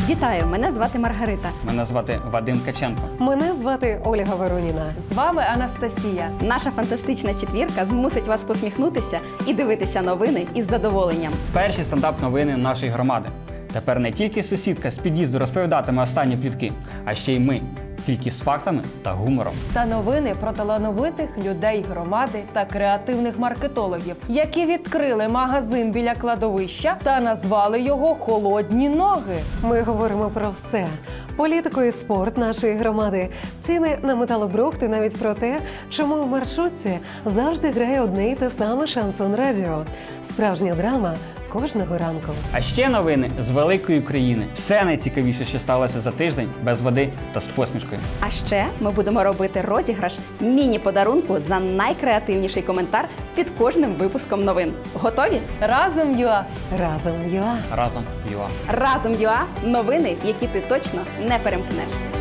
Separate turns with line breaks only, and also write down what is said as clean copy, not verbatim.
Вітаю! Мене звати Маргарита.
Мене звати Вадим Каченко.
Мене звати Ольга Вороніна.
З вами Анастасія.
Наша фантастична четвірка змусить вас посміхнутися і дивитися новини із задоволенням.
Перші стендап-новини нашої громади. Тепер не тільки сусідка з під'їзду розповідатиме останні плітки, а ще й ми. Тільки з фактами та гумором.
Та новини про талановитих людей громади та креативних маркетологів, які відкрили магазин біля кладовища та назвали його «Холодні ноги».
Ми говоримо про все: політику і спорт нашої громади, ціни на металобрухт і навіть про те, чому в маршрутці завжди грає одне й те саме Шансон Радіо. Справжня драма кожного ранку.
А ще новини з великої країни. Все найцікавіше, що сталося за тиждень, без води та з посмішкою.
А ще ми будемо робити розіграш міні-подарунку за найкреативніший коментар під кожним випуском новин. Готові?
Разом ЮА!
Разом ЮА.
Разом ЮА.
Разом ЮА – новини, які ти точно не перемкнеш.